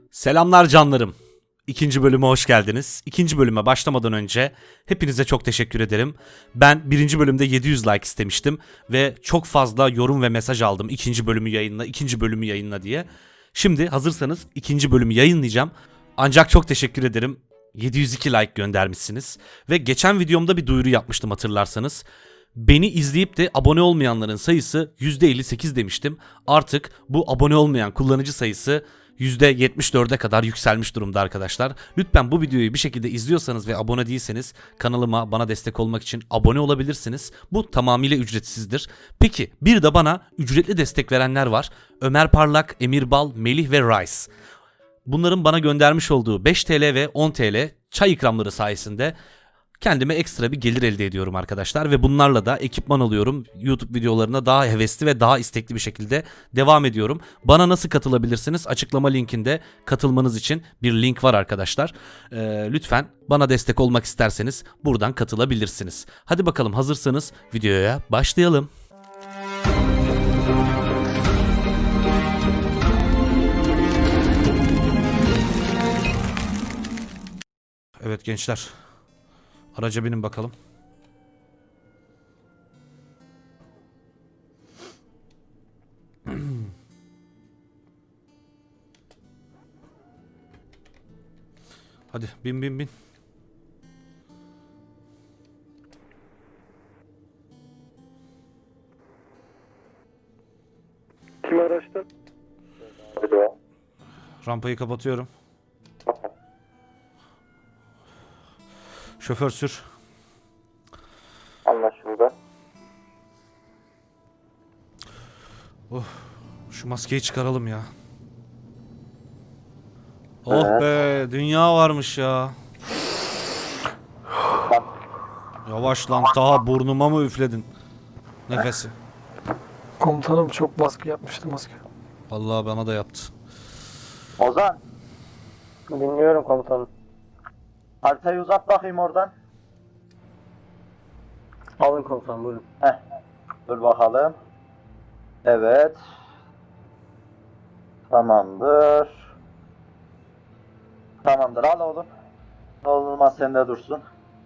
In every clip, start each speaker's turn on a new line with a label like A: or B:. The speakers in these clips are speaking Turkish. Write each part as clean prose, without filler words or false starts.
A: Selamlar canlarım. İkinci bölüme hoş geldiniz. İkinci bölüme başlamadan önce hepinize çok teşekkür ederim. Ben birinci bölümde 700 like istemiştim ve çok fazla yorum ve mesaj aldım. İkinci bölümü yayınla, ikinci bölümü yayınla diye. Şimdi hazırsanız ikinci bölümü yayınlayacağım. Ancak çok teşekkür ederim. 702 like göndermişsiniz. Ve geçen videomda bir duyuru yapmıştım hatırlarsanız. Beni izleyip de abone olmayanların sayısı %58 demiştim. Artık bu abone olmayan kullanıcı sayısı %74'e kadar yükselmiş durumda arkadaşlar. Lütfen bu videoyu bir şekilde izliyorsanız ve abone değilseniz kanalıma bana destek olmak için abone olabilirsiniz. Bu tamamıyla ücretsizdir. Peki bir de bana ücretli destek verenler var. Ömer Parlak, Emir Bal, Melih ve Rice. Bunların bana göndermiş olduğu 5 TL ve 10 TL çay ikramları sayesinde kendime ekstra bir gelir elde ediyorum arkadaşlar ve bunlarla da ekipman alıyorum. YouTube videolarına daha hevesli ve daha istekli bir şekilde devam ediyorum. Bana nasıl katılabilirsiniz? Açıklama linkinde katılmanız için bir link var arkadaşlar. Lütfen bana destek olmak isterseniz buradan katılabilirsiniz. Hadi bakalım hazırsanız videoya başlayalım. Evet gençler. Araca binin bakalım. Hadi bin.
B: Kim araçta?
A: Rampayı kapatıyorum. Şoför sür.
B: Anlaşıldı.
A: Şu maskeyi çıkaralım ya. Oh be, dünya varmış ya. Yavaş lan, daha burnuma mı üfledin nefesi?
C: Komutanım çok baskı yapmıştı maske.
A: Vallahi bana da yaptı.
B: Ozan. Dinliyorum komutanım. Haritayı uzat bakayım oradan.
C: Alın komutanım buyurun.
B: Dur bakalım. Evet. Tamamdır. Tamamdır, al oğlum. Ne olmaz sende dursun.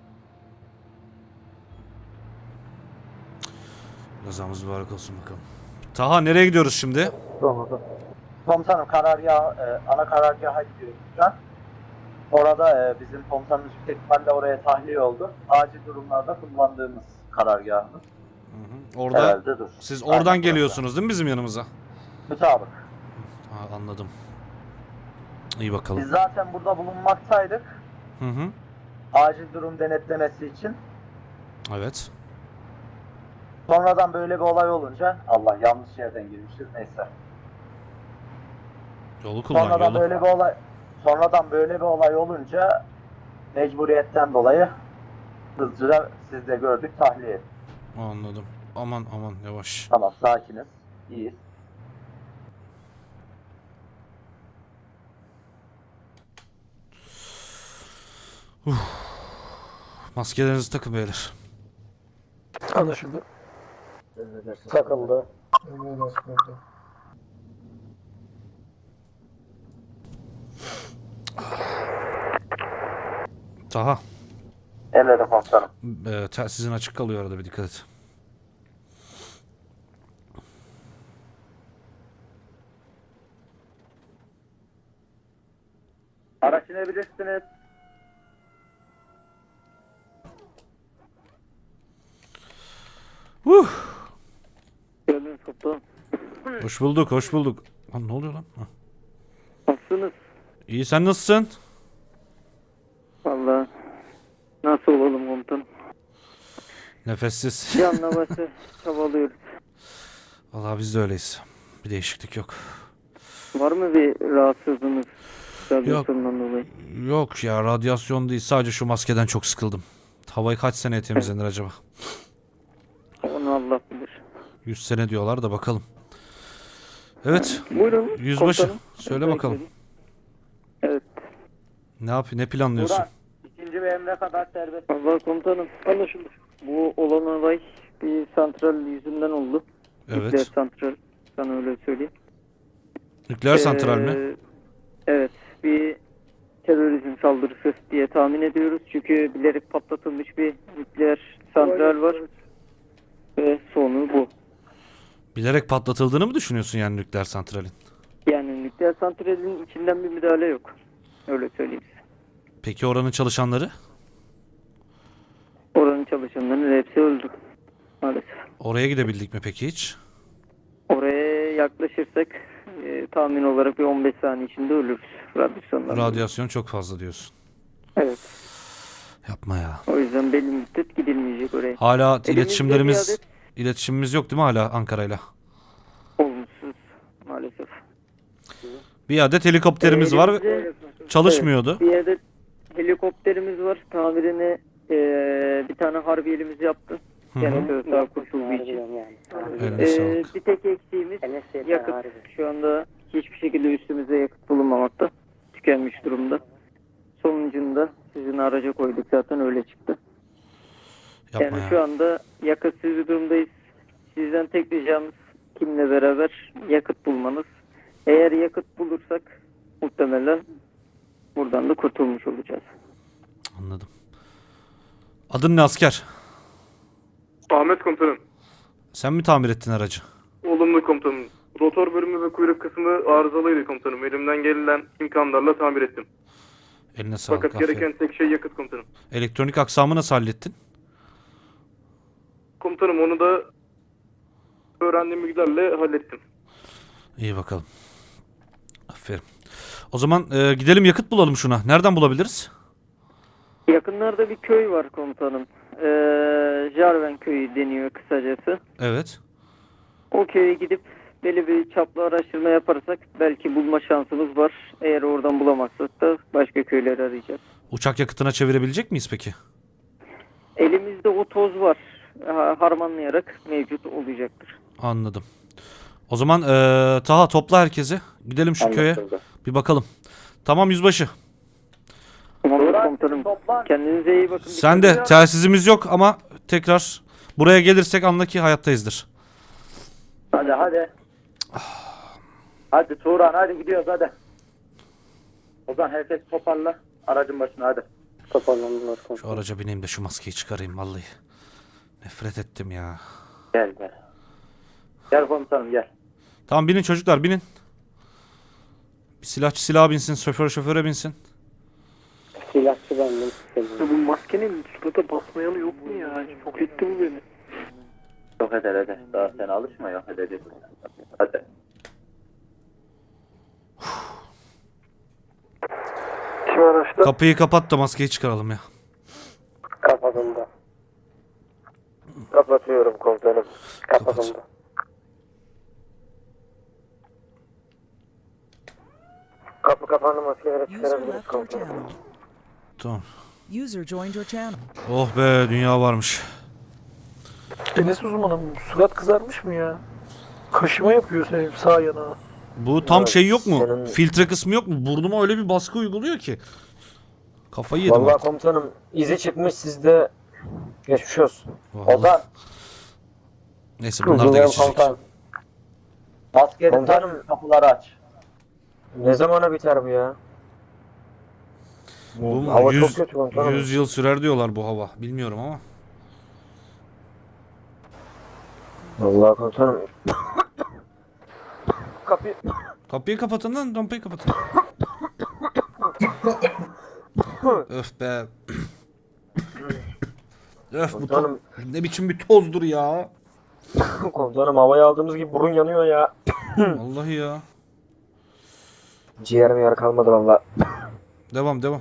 A: Gazamız mübarek olsun bakalım. Taha nereye gidiyoruz şimdi?
B: Komutanım ana karargaha gidiyoruz şu an. Orada bizim komutanımız yüksek ihtimalle oraya tahliye oldu. Acil durumlarda kullandığımız karargahımız.
A: Orada
B: Herhalde dur.
A: siz oradan
B: Aynen,
A: geliyorsunuz değil mi bizim yanımıza?
B: Mütabık.
A: Ha, anladım. İyi bakalım.
B: Biz zaten burada bulunmaktaydık.
A: Hı.
B: Acil durum denetlemesi için.
A: Evet.
B: Sonradan böyle bir olay olunca, Allah yanlış yerden girmişiz, neyse.
A: Yolu kullan
B: Sonradan
A: yolu.
B: böyle bir olay olunca mecburiyetten dolayı hızlıca siz de gördük, tahliye ettik.
A: Anladım. Aman yavaş.
B: Tamam, sakiniz. İyiyiz.
A: Maskelerinizi takın beyler.
C: Anlaşıldı.
B: Takıldı.
A: Taha.
B: Emredin komutanım.
A: Telsizin açık kalıyor arada, bir dikkat et.
B: Araç inebilirsiniz.
C: Geldiniz komutanım.
A: Hoş bulduk. Lan ne oluyor lan? Ha.
C: Nasılsınız?
A: İyi, sen nasılsın?
C: Valla nasıl olalım komutanım?
A: Nefessiz.
C: Canla başla çabalıyoruz.
A: Vallahi biz de öyleyiz. Bir değişiklik yok.
C: Var mı bir rahatsızlığınız? Radyasyondan dolayı.
A: Yok ya, radyasyon değil, sadece şu maskeden çok sıkıldım. Havayı kaç seneye temizlenir acaba?
C: Onu Allah bilir.
A: 100 sene diyorlar da bakalım. Evet.
C: Buyurun.
A: Yüzbaşı
C: komutanım.
A: söyle bakalım.
C: Evet.
A: Ne planlıyorsun?
B: Burak, ikinci ve emre kadar serbest.
C: Valla komutanım anlaşıldı. Bu olan olay bir santral yüzünden oldu.
A: Evet.
C: Nükleer santral. Sana öyle söyleyeyim.
A: Nükleer santral mi?
C: Evet. terörizm saldırısı diye tahmin ediyoruz. Çünkü bilerek patlatılmış bir nükleer santral var. Ve sonu bu.
A: Bilerek patlatıldığını mı düşünüyorsun yani nükleer santralin?
C: Yani nükleer santralin içinden bir müdahale yok. Öyle söyleyeyim size.
A: Peki oranın çalışanları?
C: Oranın çalışanlarının hepsi öldü. Maalesef.
A: Oraya gidebildik mi peki hiç?
C: Oraya yaklaşırsak tahmin olarak bir 15 saniye içinde ölürüz. Radyasyondan.
A: Radyasyon çok fazla diyorsun.
C: Evet.
A: Yapma ya.
C: O yüzden belli müddet gidilmeyecek oraya.
A: Hala
C: Elimizde
A: iletişimlerimiz
C: bir adet-
A: iletişimimiz yok değil mi hala Ankara'yla?
C: Olumsuz maalesef.
A: Bir adet helikopterimiz var ve
C: Elimizde-
A: çalışmıyordu.
C: Bir adet helikopterimiz var. Tamirini bir tane harbiyelimiz yaptı.
A: Hı hı.
C: Genel sağ kurtulduğu için.
A: Eline sağlık.
C: Bir tek eksiğimiz yakıt. Şu anda hiçbir şekilde üstümüzde yakıt bulunmamakta. Tükenmiş durumda. Sonucunda sizin araca koyduk zaten öyle çıktı.
A: Yapma
C: Yani şu
A: ya.
C: anda yakıtsız bir durumdayız. Sizden tek ricamız kimle beraber yakıt bulmanız. Eğer yakıt bulursak muhtemelen buradan da kurtulmuş olacağız.
A: Anladım. Adın ne asker?
D: Ahmet komutanım.
A: Sen mi tamir ettin aracı?
D: Olumlu komutanım. Rotor bölümü ve kuyruk kısmı arızalıydı komutanım. Elimden gelen imkanlarla tamir ettim.
A: Eline sağlık.
D: Fakat
A: Aferin.
D: gereken tek şey yakıt komutanım.
A: Elektronik aksamı nasıl hallettin?
D: Komutanım onu da öğrendiğim bilgilerle hallettim.
A: İyi bakalım. Aferin. O zaman gidelim yakıt bulalım şuna. Nereden bulabiliriz?
C: Yakınlarda bir köy var komutanım. Jarven köyü deniyor kısacası.
A: Evet.
C: O köye gidip belli bir çaplı araştırma yaparsak belki bulma şansımız var. Eğer oradan bulamazsak da başka köyleri arayacağız.
A: Uçak yakıtına çevirebilecek miyiz peki?
C: Elimizde o toz var. Harmanlayarak mevcut olacaktır.
A: Anladım. O zaman Taha topla herkesi. Gidelim şu köye. Bir bakalım. Tamam yüzbaşı.
C: Tamamdır
B: Burak,
C: komutanım.
B: toplan.
C: Kendinize iyi bakın.
A: Sen de telsizimiz yok ama tekrar buraya gelirsek anla ki hayattayızdır.
B: Hadi hadi. Hadi Turan hadi gidiyoruz hadi. Ozan herkes toparla. Aracın başına hadi.
C: Toparlandılar
A: Şu
C: komutanım.
A: araca bineyim de şu maskeyi çıkarayım vallahi. Nefret ettim ya.
B: Gel gel. Gel komutanım gel.
A: Tamam binin çocuklar binin. Bir silahçı silaha binsin, şoför şoföre binsin.
C: Silahçı bendim.
E: Bu maskenin surata basmayanı yok mu ya? Çok etti bu beni.
B: Yok eder hadi. Daha sen alışma yok edeceğiz. Hadi.
E: Kim araçta?
A: Kapıyı kapat da maskeyi çıkaralım ya.
C: Kapatıldı. Kapatıyorum komutanım.
A: Kapatıldı.
C: Kapı kapandı, maskeleri
F: User
C: çıkarabiliriz
F: left your
C: komutanım.
F: channel.
A: Tamam.
F: User joined your channel.
A: Oh be dünya varmış.
E: Enes uzmanım, surat kızarmış mı ya? Kaşıma yapıyor senin sağ yana.
A: Bu tam
C: Evet,
A: şey yok mu?
C: senin-
A: Filtre kısmı yok mu? Burnuma öyle bir baskı uyguluyor ki. Kafayı yedim
C: Vallahi
A: artık.
C: komutanım izi çıkmış, sizde geçmiş olsun.
A: Vallahi.
B: Ozan
A: Neyse bunlar da geçecek.
C: Komutanım,
B: maskeli
C: Komutanım.
B: tak, kapıları aç.
C: ne zamana biter bu ya?
A: Bu
C: Hava
A: 100,
C: çok kötü komutanım.
A: 100 yıl sürer diyorlar bu hava. Bilmiyorum ama.
C: Vallahi komutanım.
A: Kapıyı kapatın lan, rampayı kapatın. Öf be. Öf bu
C: Komutanım.
A: ne biçim bir tozdur ya.
C: Komutanım, havayı aldığımız gibi burun yanıyor ya.
A: Vallahi ya.
C: Ciğerim yer kalmadı vallahi.
A: Devam devam.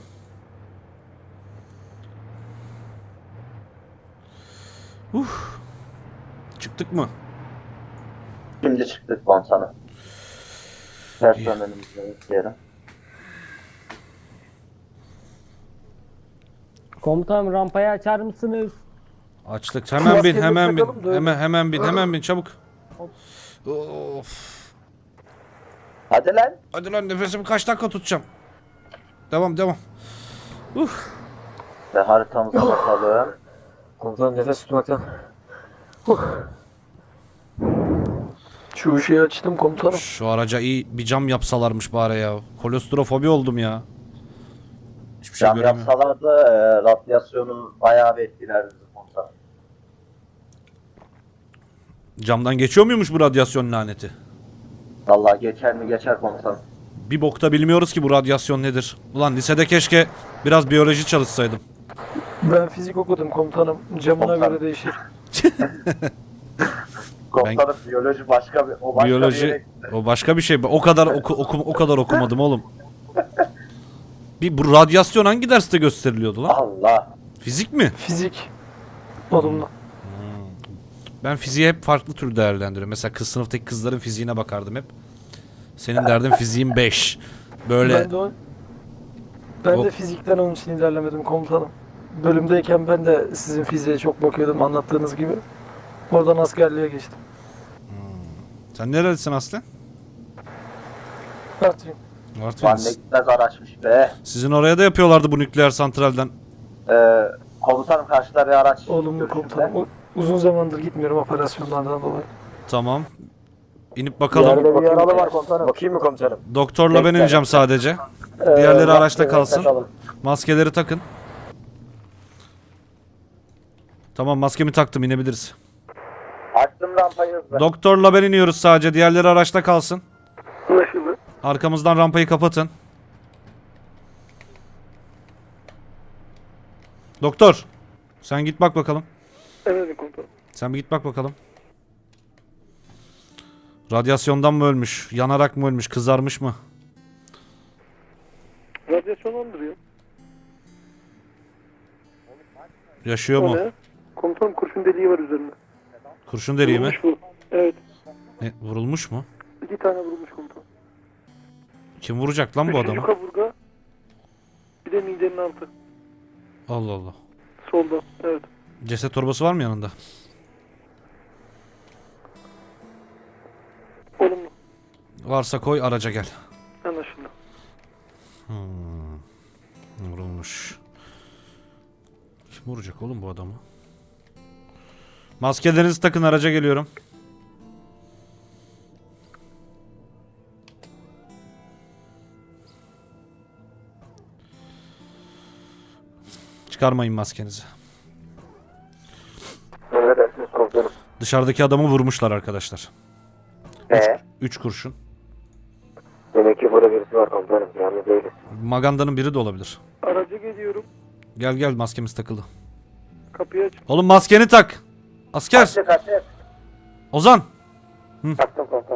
A: Çıktık mı?
B: Şimdi çıktık komutanım. Personelimizi bekleyelim.
G: Komutanım rampayı açar mısınız?
A: Açtık. Hemen bin,
E: Maskeleri
A: hemen bin.
E: takalım da öyle.
A: Hemen bin, hemen bin çabuk. Of.
B: Hadi lan.
A: Hadi lan nefesimi kaç dakika tutacağım. Devam devam.
B: Ve haritamıza bakalım.
C: Komutanım, nefes tutmaktan.
E: Şu şeyi açtım komutanım.
A: Şu araca iyi bir cam yapsalarmış bari ya. Kolostrofobi oldum ya. Hiçbir şey
B: Cam
A: göremiyorum.
B: yapsalardı radyasyonu bayağı bir etkilerdi komutanım.
A: Camdan geçiyor muymuş bu radyasyon laneti?
B: Vallahi geçer mi geçer komutanım.
A: Bir bokta bilmiyoruz ki bu radyasyon nedir. Ulan lisede keşke biraz biyoloji çalışsaydım.
E: Ben fizik okudum komutanım. Camına
B: Komutanım.
E: göre değişir.
B: Komutanım biyoloji başka bir o başka bir
A: Biyoloji
B: yere-
A: o başka bir şey. O kadar o kadar okumadım oğlum. Bu radyasyon hangi derste gösteriliyordu lan?
B: Allah.
A: Fizik mi?
E: Fizik. Olumlu.
A: Ben fiziği hep farklı tür değerlendiriyorum. Mesela kız sınıftaki kızların fiziğine bakardım hep. Senin derdin fiziğin 5. Böyle
E: Ben de fizikten onun için ilerlemedim komutanım. Bölümdeyken ben de sizin fiziğe çok bakıyordum anlattığınız gibi. Oradan askerliğe geçtim.
A: sen nerelisin aslen?
E: Artvin.
B: Lan ne
A: Artvin'desin.
B: gitmez araçmış be.
A: Sizin oraya da yapıyorlardı bu nükleer santralden.
B: Komutanım karşıda bir araç.
E: Olumlu
B: görüşümde.
E: komutanım. Uzun zamandır gitmiyorum operasyonlardan dolayı.
A: Tamam. İnip bakalım.
B: Bir yaralı var
E: komutanım.
B: Bakayım mı komutanım?
A: Doktorla ben ineceğim sadece. Diğerleri araçta kalsın.
B: Bakalım.
A: Maskeleri takın. Tamam maskemi taktım inebiliriz.
B: Açtım rampayı hızlı.
A: Doktorla ben iniyoruz sadece. Diğerleri araçta kalsın.
E: Anlaşıldı.
A: Arkamızdan rampayı kapatın. Doktor. Sen git bak bakalım.
E: Evet komutanım.
A: Sen bir git bak bakalım. Radyasyondan mı ölmüş? Yanarak mı ölmüş? Kızarmış mı?
E: Radyasyon andırıyor.
A: Yaşıyor mu?
E: Komutanım kurşun deliği var üzerinde.
A: Kurşun deliği mi?
E: Bu. Evet.
A: Vurulmuş mu?
E: 2 tane vurulmuş komutanım.
A: Kim vuracak lan bu
E: Üçüncü
A: adamı?
E: kaburga. Bir de midenin altı.
A: Allah Allah.
E: Solda. Evet.
A: Ceset torbası var mı yanında?
E: Olumlu.
A: Varsa koy araca gel.
E: Anlaşıldı.
A: Vurulmuş. Kim vuracak oğlum bu adamı? Maskelerinizi takın araca geliyorum. Çıkarmayın maskenizi.
B: Emredersiniz komutanım.
A: Dışarıdaki adamı vurmuşlar arkadaşlar. 3 kurşun.
B: Demek ki burada birisi var komutanım. Yani değiliz.
A: Maganda'nın biri de olabilir.
E: Araca geliyorum.
A: Gel gel maskemiz takılı.
E: Kapıyı aç.
A: Oğlum maskeni tak. Asker.
B: Kaçtı.
A: Ozan.
B: Taktım komutanım.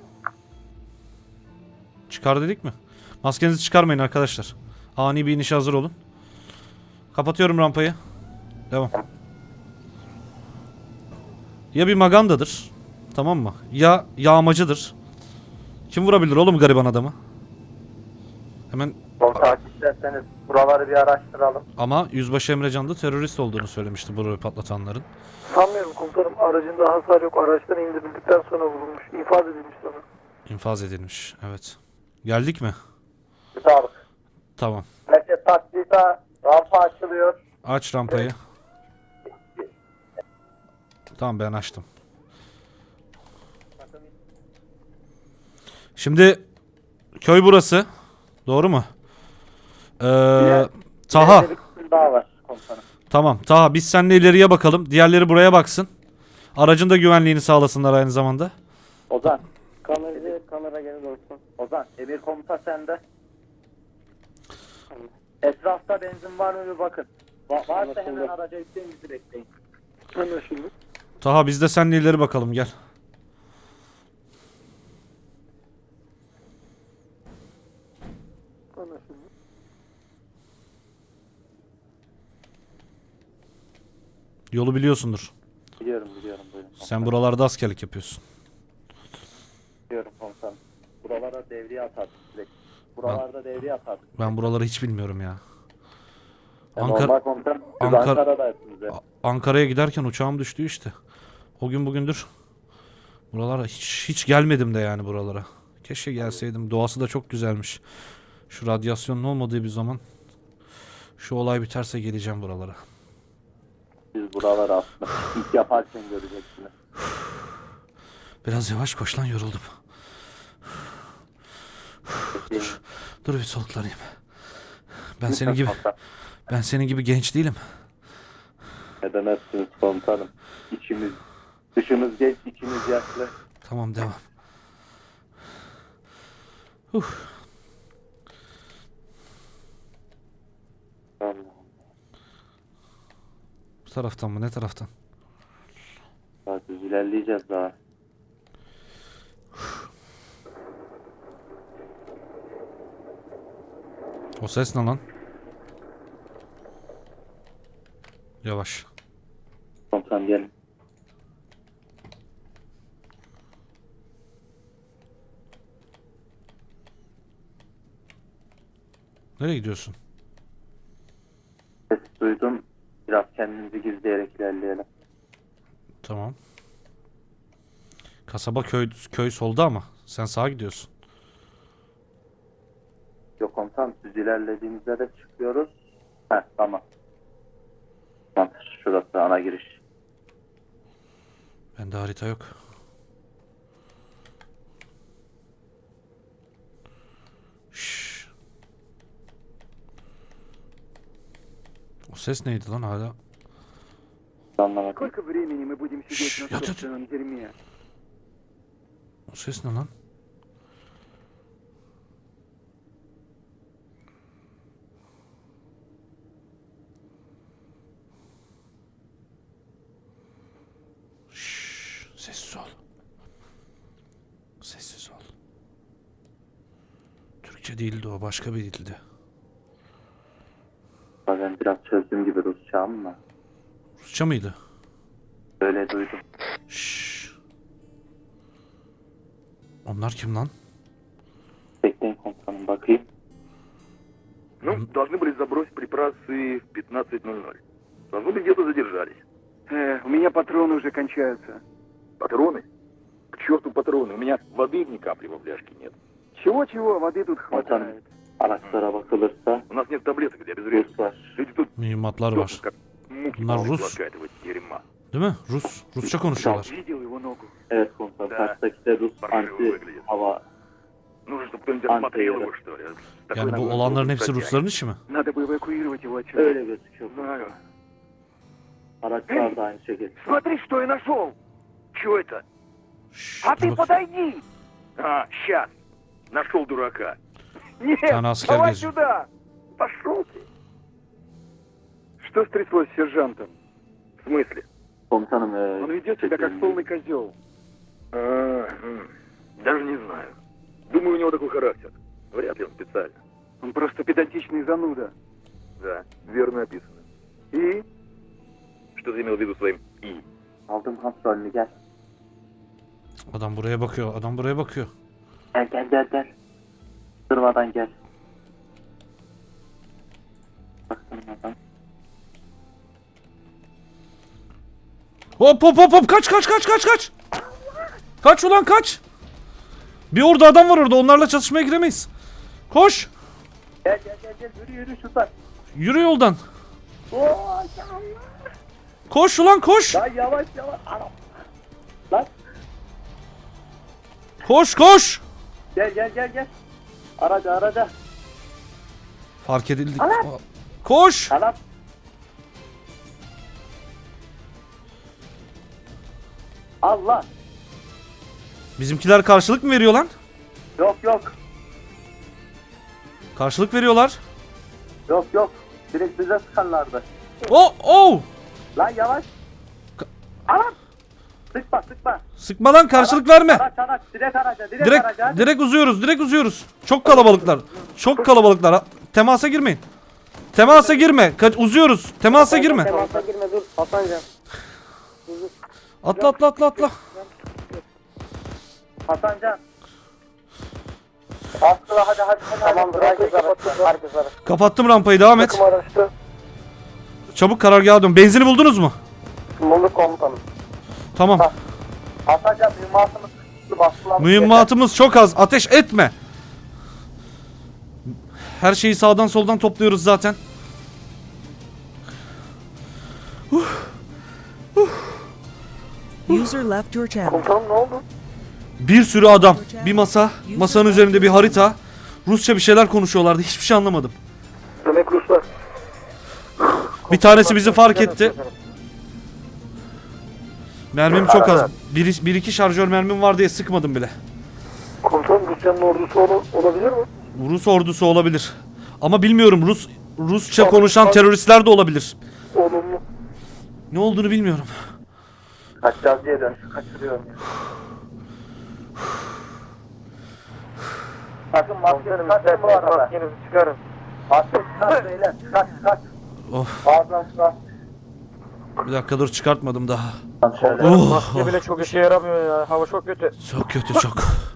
A: Çıkar dedik mi? Maskenizi çıkarmayın arkadaşlar. Ani bir inişe hazır olun. Kapatıyorum rampayı. Devam. Ya bir Maganda'dır. Tamam mı? Ya yağmacıdır. Kim vurabilir oğlum gariban adamı? Hemen
B: Komutanım isterseniz buraları bir araştıralım.
A: ama Yüzbaşı Emrecan da terörist olduğunu söylemişti burayı patlatanların.
E: Sanmıyorum komutanım. Aracında hasar yok. Araçtan indirildikten sonra vurulmuş. İfade edilmiş sana.
A: İnfaz edilmiş. Evet. Geldik mi?
B: Sağlık.
A: Tamam.
B: Merkez taklita rampa açılıyor.
A: Aç rampayı. Tamam ben açtım. Şimdi köy burası. Doğru mu? Taha.
B: Bir kısım daha var komutanım.
A: Tamam. Taha biz seninle ileriye bakalım. Diğerleri buraya baksın. Aracın da güvenliğini sağlasınlar aynı zamanda.
B: Ozan.
C: Kamera geri olsun.
B: Ozan. Emir komuta sende. Etrafta benzin var mı bir bakın. Varsa hemen araca yükleyin bizi bekleyin.
E: Anlaşıldı.
A: Taha biz de seninle ileri bakalım gel.
E: Anlaşıldı.
A: Yolu biliyorsundur.
B: Biliyorum buyurun.
A: Sen buralarda askerlik yapıyorsun.
B: Biliyorum komutanım. Buralara devriye atardık sürekli. Buralarda devriye atardık.
A: Ben buraları hiç bilmiyorum ya.
B: Normal
A: Ankara
B: komutanım. Siz
A: Ankara-
B: Ankara'daysınız ya.
A: Ankara'ya giderken uçağım düştü işte. O gün bugündür buralara hiç gelmedim de yani buralara. Keşke gelseydim. Doğası da çok güzelmiş. Şu radyasyonun olmadığı bir zaman şu olay biterse geleceğim buralara.
B: Siz buraları aslında ilk yaparken göreceksiniz.
A: Biraz yavaş koş lan yoruldum. Dur bir soluklanayım. Ben senin gibi genç değilim.
B: Ne demezsiniz komutanım. Dışımız genç, içimiz yaşlı.
A: Tamam, devam. Bu taraftan mı? Ne taraftan?
B: Daha düz ilerleyeceğiz daha.
A: O ses ne lan? Yavaş.
B: Komutanım gelin.
A: Nereye gidiyorsun?
B: Ses duydum. Biraz kendimizi gizleyerek ilerleyelim.
A: Tamam. Kasaba köy solda ama sen sağa gidiyorsun.
B: Yok komutanım, düz ilerlediğimizde de çıkıyoruz. Heh, tamam. Tamam, şurası ana giriş.
A: Bende harita yok. Şşş. O ses neydi lan hala?
B: Anlamadım.
H: Сколько времени мы будем сидеть
A: Шш,
H: на
A: я тут-
H: собственном дерьме?
A: O ses ne lan? Şşş, sessiz ol. Sessiz ol. Türkçe değildi o, başka bir dildi.
B: Ben biraz çözdüğüm gibi Rusça ama
A: Rusça mıydı?
B: öyle duydum.
A: Şşş. Onlar kim lan?
B: Bekleyin komutanım, bakayım.
H: Ну, должны были забросить припасы в 15:00. Должно быть, где-то задержались. У меня патроны уже кончаются. Патроны? К черту патроны, у меня воды ни капли во фляжке нет. Чего-чего, воды тут
B: Komutanım,
H: хватает.
B: araçlara bakılırsa
H: У нас нет таблеток для обезвреживания.
B: Rus var.
H: Люди тут
A: Mühimmatlar
H: дохнут,
A: var.
H: как мухи
A: Bunlar
H: по
A: Rus.
H: глотка этого дерьма.
A: Değil mi? Rusça konuşuyorlar.
H: Видел его ногу?
B: Evet komutanım,
H: Da.
B: karşıdaki de Rus
H: Parşöre
B: anti
H: выглядит.
B: hava.
H: Нужно, чтобы кто-нибудь осмотрел его, что ли. Такой
A: Yani bu
H: ногой
A: olanların
H: руку
A: hepsi
H: протянет.
A: Rusların işi mi?
H: Надо бы эвакуировать его отсюда.
B: Öyle gözüküyor.
H: Знаю.
B: Araçlar da aynı şekilde.
H: Смотри, что я нашел! Чего это?
A: Şşş,
H: А
A: dur
H: ты
A: bak.
H: подойди! А, сейчас. Нашел дурака. Нет,
A: Тана аскер
H: давай
A: geziyor.
H: сюда! Пошел ты! Что стряслось с сержантом? В смысле?
B: Komutanım,
H: Он ведет себя как полный козел. Даже не знаю. Думаю, у него такой характер. Вряд ли он специально. Он просто педантичный зануда. Да, верно описано. И? Что ты имел в виду своим «и»?
B: aldım kontrolünü, gel.
A: Adam buraya bakıyor. Adam buraya bakıyor.
B: Gel. Durmadan gel. Baktırmadan.
A: Hop. Kaç. Kaç ulan kaç. Bir orada adam var orada. Onlarla çatışmaya giremeyiz. Koş.
B: Gel, yürü şuradan.
A: Yürü yoldan. Koş ulan koş.
B: Lan yavaş. Anam. Lan
A: Koş.
B: gel. Araca.
A: Fark edildik. Koş.
B: Anam. Allah.
A: Bizimkiler karşılık mı veriyor lan?
B: Yok.
A: Karşılık veriyorlar.
B: Yok. Direkt bize sıkarlardı.
A: Oh.
B: Lan yavaş. Anam. Sıkma.
A: Sıkma lan, karşılık verme.
B: Araç. Direkt araca.
A: Direkt uzuyoruz. Çok kalabalıklar. Temasa girmeyin. Temasa girme. Uzuyoruz. Temasa girme.
G: Temasa girme, dur Hasancan.
A: Atla.
B: Hasancan. Aslı hadi.
G: Tamamdır, herkes araçlar.
A: Kapattım rampayı, devam et.
E: Takım araçta.
A: Çabuk karargaha dön. Benzini buldunuz mu?
E: Bulduk komutanım.
A: Tamam.
B: Hasancan mühimmatımız bastılar.
A: Mühimmatımız çok az. Ateş etme. Her şeyi sağdan soldan topluyoruz zaten.
F: User left your channel.
E: Komutanım ne oldu?
A: Bir sürü adam. Bir masa. Masanın üzerinde bir harita. Rusça bir şeyler konuşuyorlardı. Hiçbir şey anlamadım.
E: Demek çocuklar.
A: Bir tanesi bizi fark etti. Mermim çok az. Bir iki şarjör mermim var diye sıkmadım bile.
E: Komutanım Rusya'nın ordusu olabilir mi?
A: Rus ordusu olabilir. Ama bilmiyorum, Rusça konuşan teröristler de olabilir.
E: Olumlu.
A: Ne olduğunu bilmiyorum.
B: Kaçacağız diye dön. Kaçırıyorum ya. Sakın maske çıkartın bu arada.
G: Maskenizi çıkarın.
B: Maske çıkart beyler. Çıkart.
A: Of.
B: Ağzından çıkart.
A: Bir dakika dur, çıkartmadım daha.
B: Şöyle.
A: Oh,
G: Maske bile çok işe yaramıyor ya. Hava çok kötü.
A: çok kötü, çok.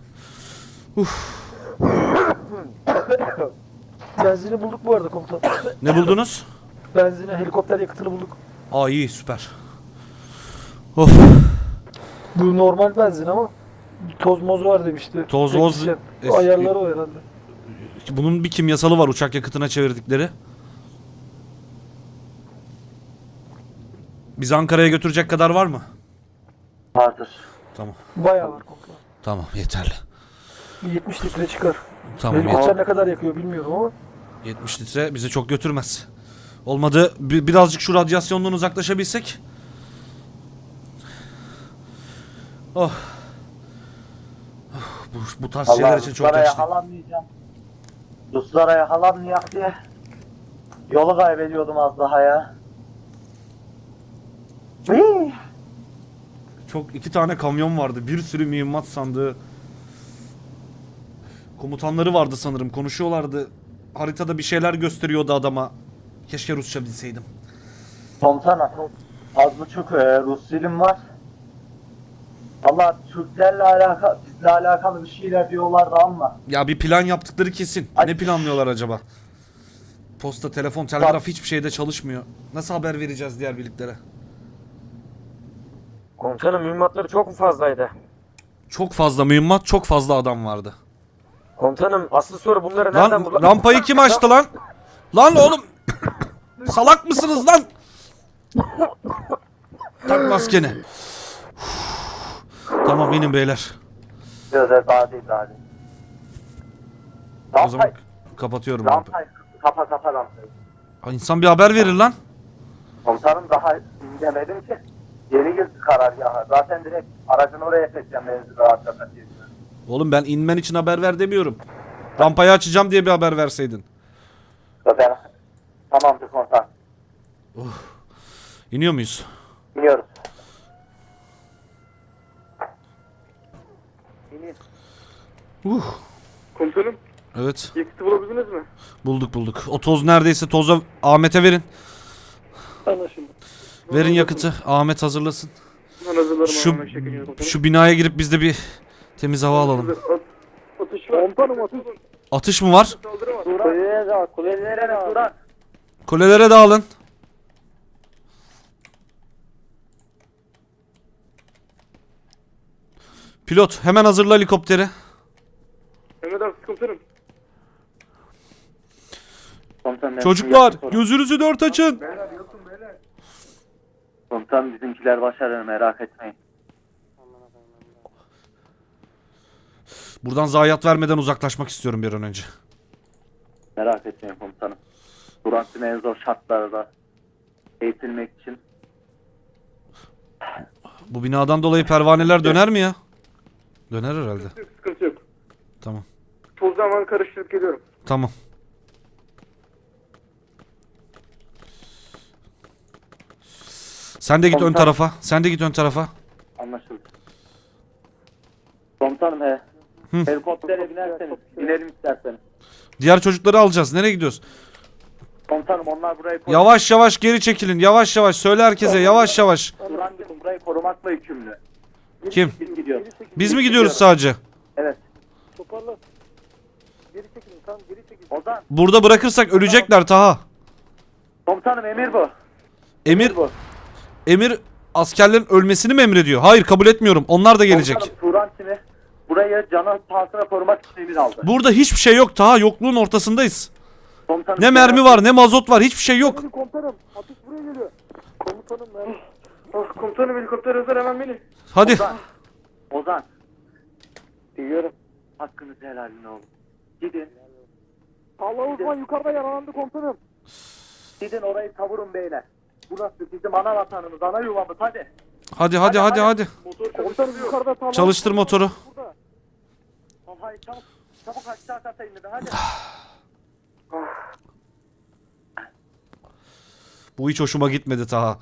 E: Benzini bulduk bu arada komutanım.
A: Ne buldunuz?
E: Benzini, helikopter yakıtını bulduk.
A: Aa, iyi, süper. Of.
E: Bu normal benzin ama toz moz var demişti.
A: Toz moz-
E: Teknisyen.
A: es-
E: Ayarları o herhalde.
A: Bunun bir kimyasalı var uçak yakıtına çevirdikleri. Bizi Ankara'ya götürecek kadar var mı?
B: Vardır.
A: Tamam.
E: Bayağı var komutanım.
A: Tamam, yeterli.
E: 70 litre çıkar.
A: Tamam,
E: Helikopter ne kadar yakıyor bilmiyorum ama.
A: 70 litre bizi çok götürmez. Olmadı birazcık şu radyasyondan uzaklaşabilsek. Oh. Bu tarz şeyler için çok
B: Ruslara
A: yaşlı.
B: yakalanmayacağım. Ruslara yakalanmayak diye yolu kaybediyordum az daha ya. Hii.
A: Çok, 2 tane kamyon vardı. Bir sürü mühimmat sandığı. Komutanları vardı sanırım. Konuşuyorlardı. Haritada bir şeyler gösteriyordu adama. Keşke Rusça bilseydim.
B: Komutanım, az buçuk Rus dilim var. Valla Türklerle alakalı, bizle alakalı bir şeyler diyorlardı ama.
A: Ya bir plan yaptıkları kesin. Ne planlıyorlar acaba? Posta, telefon, telgraf hiçbir şeyde çalışmıyor. Nasıl haber vereceğiz diğer birliklere?
G: Komutanım mühimmatları çok mu fazlaydı?
A: Çok fazla mühimmat, çok fazla adam vardı.
G: Komutanım asıl soru bunları nereden
A: Lan
G: buldun?
A: rampayı kim açtı lan? Lan oğlum! Salak mısınız lan? Tak maskeni. Tamam, inin beyler.
B: Gözler daha değil daha değil.
A: O zaman kapatıyorum rampayı.
B: Rampayı kapa rampayı.
A: Ha, İnsan bir haber verir lan.
B: Komutanım daha dinlemedim ki. Yeni girdi karargaha. Zaten direkt aracını oraya çekeceğim menzili rahatlatmak diye.
A: Oğlum ben inmen için haber ver demiyorum. Rampayı açacağım diye bir haber verseydin.
B: Zaten tamamdır komutan.
A: İniyor muyuz?
B: Biliyoruz.
D: Komutanım,
A: Evet.
D: yakıtı bulabildiniz mi?
A: Bulduk. O toz neredeyse, toza Ahmet'e verin.
E: Anlaşıldı.
A: Verin yakıtı. Ahmet hazırlasın.
D: Ben hazırlarım.
A: Şu-
D: hemen şekilde komutanım.
A: Şu binaya girip biz de bir temiz hava alalım.
D: Atış var. Komutanım atış.
A: Atış mı var?
D: Saldırı var.
G: Kulelere dağıl, kulelere dağıl.
A: Kulelere dağılın. Pilot hemen hazırla helikopteri.
D: Emredersiniz komutanım.
B: Komutanım,
A: Çocuklar gözünüzü dört açın.
B: Komutanım bizimkiler başarır merak etmeyin.
A: Buradan zayiat vermeden uzaklaşmak istiyorum bir an önce.
B: Merak etmeyin komutanım. Durantin en zor şartlarda eğitilmek için.
A: Bu binadan dolayı pervaneler döner mi ya? Döner herhalde.
D: Sıkıntı yok.
A: Tamam.
D: Tozu hemen karıştırıp geliyorum.
A: Tamam. Sen de git ön
B: Komutan.
A: tarafa. Sen de git ön tarafa.
B: Anlaşıldı. Komutanım helikoptere binerseniz, binelim isterseniz.
A: Diğer çocukları alacağız. Nereye gidiyoruz?
B: Komutanım onlar burayı
A: Yavaş yavaş geri çekilin. Yavaş yavaş. Söyle herkese. Yavaş yavaş.
B: Durantin burayı korumakla yükümlü.
A: Kim?
B: Biz gidiyoruz.
A: Biz mi gidiyoruz sadece?
B: Evet.
E: Toparla. Geri çekilin, tamam geri çekilin.
B: Ozan.
A: Burada bırakırsak ölecekler Taha.
B: Komutanım emir bu.
A: Emir
B: bu.
A: Emir askerlerin ölmesini mi emrediyor? Hayır, kabul etmiyorum. Onlar da gelecek.
B: Komutanım Turantin'i burayı canı pahasına korumak için emir aldı.
A: Burada hiçbir şey yok Taha. Yokluğun ortasındayız.
B: Komutanım,
A: Ne mermi var, ne mazot var. Hiçbir şey yok.
E: Komutanım, atış buraya geliyor. Komutanım ben.
D: Komutanım helikopter hazır hemen beni.
A: Hadi.
B: Ozan.
G: Duyuyorum.
B: Hakkınızı helal edin oğlum. Gidin.
G: Allah uzman yukarıda yaralandı komutanım.
B: Gidin orayı kavurun beyler. Burası bizim ana vatanımız, ana yuvamız, hadi.
A: Hadi.
G: Komutanım yukarıda sağlam.
A: Çalıştır motoru.
B: Hayır, çabuk aşağı kata inin, hadi.
A: Bu hiç hoşuma gitmedi Taha.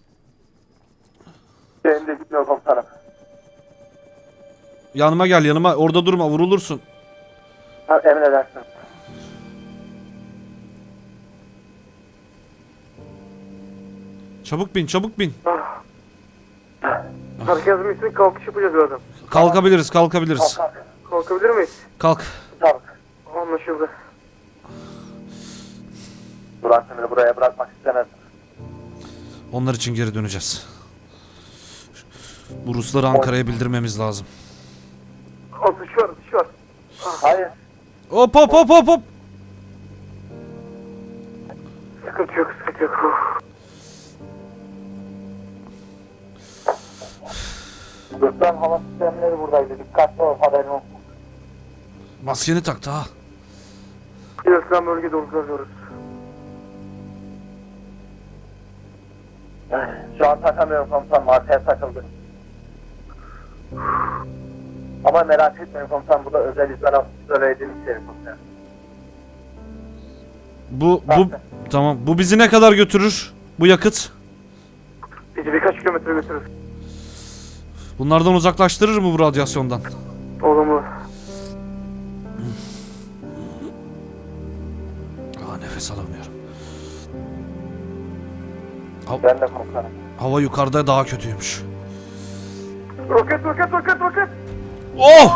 B: Benim de gitmiyor komutanım.
A: Yanıma gel, yanıma. Orada durma, vurulursun.
B: Ha, emredersin.
A: Çabuk bin.
G: Herkesin üstüne kalkış yapacağız birazdan.
A: Kalkabiliriz.
G: Kalkabilir miyiz?
A: Kalk.
B: Çabuk.
G: Anlaşıldı.
B: Burak seni buraya bırakmak istemez.
A: Onlar için geri döneceğiz. Bu Rusları Ankara'ya bildirmemiz lazım.
G: Atış var.
B: Hayır.
A: Hop.
G: Sıkıntı yok.
B: Ruslan hava sistemleri buradaydı. Dikkatli ol, haberin olsun.
A: Maskeni tak Taha.
G: İslam bölgede uzanıyoruz.
B: Şu an takamıyorum komutanım, arkaya takıldı. Ama merak etmeyin komutanım, bu da özel izole edilmiş yerim komutanım.
A: Bu tamam. Bu bizi ne kadar götürür? Bu yakıt.
G: Bizi birkaç kilometre götürür.
A: Bunlardan uzaklaştırır mı bu radyasyondan?
G: Olumlu.
A: Nefes alamıyorum.
B: Ben de komutanım.
A: Hava yukarıda daha kötüymüş.
G: Roket.
A: Oh!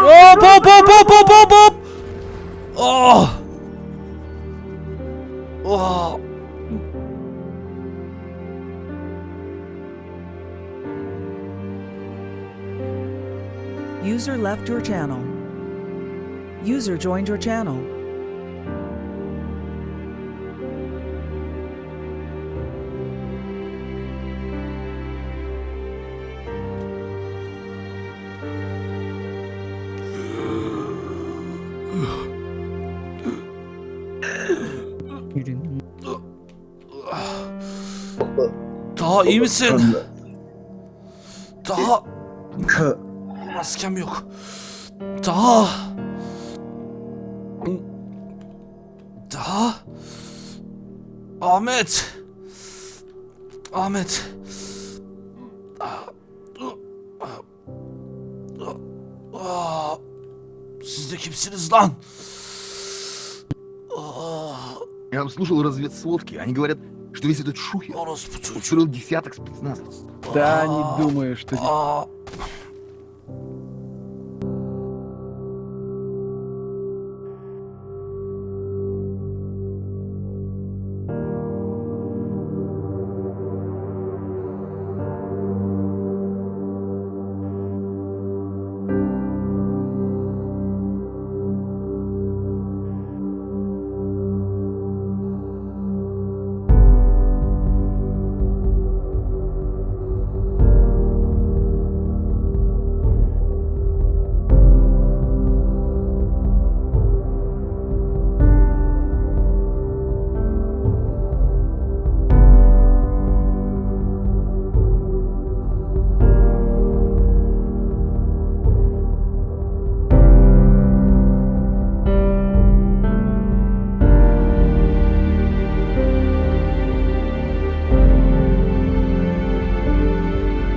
A: Hop! Oh! Oh!
F: User left your channel. User joined your channel.
A: Daha iyi misin? Daha maskem yok. Daha Ahmet. Siz de kimsiniz lan?
I: Я слушал разведсводки. Они говорят, что весь этот шухер
A: Orospu çocuğu.
I: устроил десяток спецназовцев.
J: Да, не думаю, что...
A: Aa,